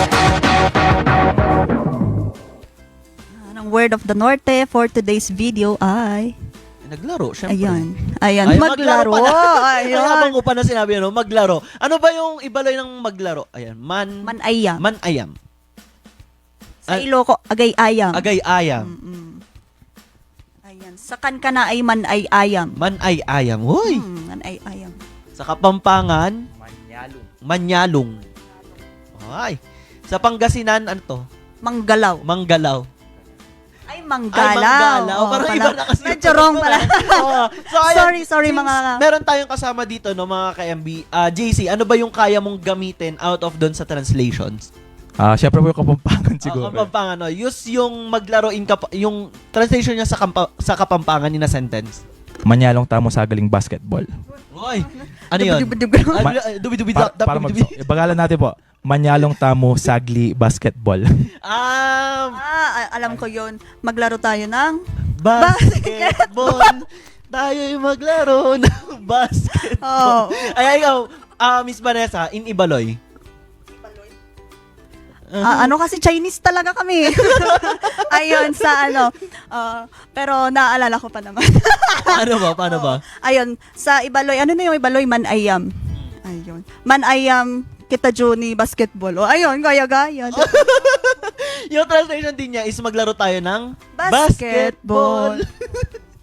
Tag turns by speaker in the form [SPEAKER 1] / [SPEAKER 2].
[SPEAKER 1] Ang word of the Norte for today's video ay...
[SPEAKER 2] Naglaro, syempre.
[SPEAKER 1] Ayan,
[SPEAKER 2] Ay,
[SPEAKER 1] maglaro.
[SPEAKER 2] Ayun.
[SPEAKER 1] Ayun.
[SPEAKER 2] Habang ko pa na sinabi, ano, maglaro. Ano ba yung ibaloy ng maglaro? Ayan,
[SPEAKER 1] Manayam.
[SPEAKER 2] manayam.
[SPEAKER 1] Sa Iloco, agay-ayam.
[SPEAKER 2] Agay-ayam.
[SPEAKER 1] Ayan, sa kankana ay manay-ayam.
[SPEAKER 2] Manay-ayam. Hoy!
[SPEAKER 1] Manay-ayam.
[SPEAKER 2] Sa Kapampangan,
[SPEAKER 3] Manyalong.
[SPEAKER 2] Manyalong. Ay. Sa Pangasinan, ano to?
[SPEAKER 1] Manggalaw.
[SPEAKER 2] Manggalaw.
[SPEAKER 1] Ay,
[SPEAKER 2] Ay,
[SPEAKER 1] manggalaw.
[SPEAKER 2] manggalaw.
[SPEAKER 1] Oo,
[SPEAKER 2] Parang
[SPEAKER 1] pala.
[SPEAKER 2] iba na kasi.
[SPEAKER 1] Medyo wrong pala.
[SPEAKER 2] Oo. So, ayan,
[SPEAKER 1] Sorry,
[SPEAKER 2] since
[SPEAKER 1] mga...
[SPEAKER 2] meron tayong kasama dito, no, mga ka-MB. JC, ano ba yung kaya mong gamitin out of doon sa translations?
[SPEAKER 3] Siyempre po yung Kapampangan siguro.
[SPEAKER 2] Kapampangan, no? Use yung maglaro yung translation niya sa Kapampangan in a sentence.
[SPEAKER 3] Manyalong tamo sa galing basketball.
[SPEAKER 2] Hoy! Ano yun? Dubi-dubi
[SPEAKER 3] Para ibagalan natin po. Manyalong tamo sagli basketball.
[SPEAKER 1] alam ko yun. Maglaro tayo ng...
[SPEAKER 2] Basketball. Tayo'y maglaro ng basketball.
[SPEAKER 1] Oh.
[SPEAKER 2] Ay, ikaw, Miss Vanessa, in Ibaloy.
[SPEAKER 1] Ano kasi Chinese talaga kami. Ayun, sa ano. Pero naaalala ko pa naman.
[SPEAKER 2] Paano ba?
[SPEAKER 1] Ayun, sa Ibaloy, ano na yung Ibaloy? Manayam. Ayun. Manayam kita Juni basketball. O, ayun, gaya-gaya.
[SPEAKER 2] Yung translation din niya is maglaro tayo ng
[SPEAKER 1] Basketball.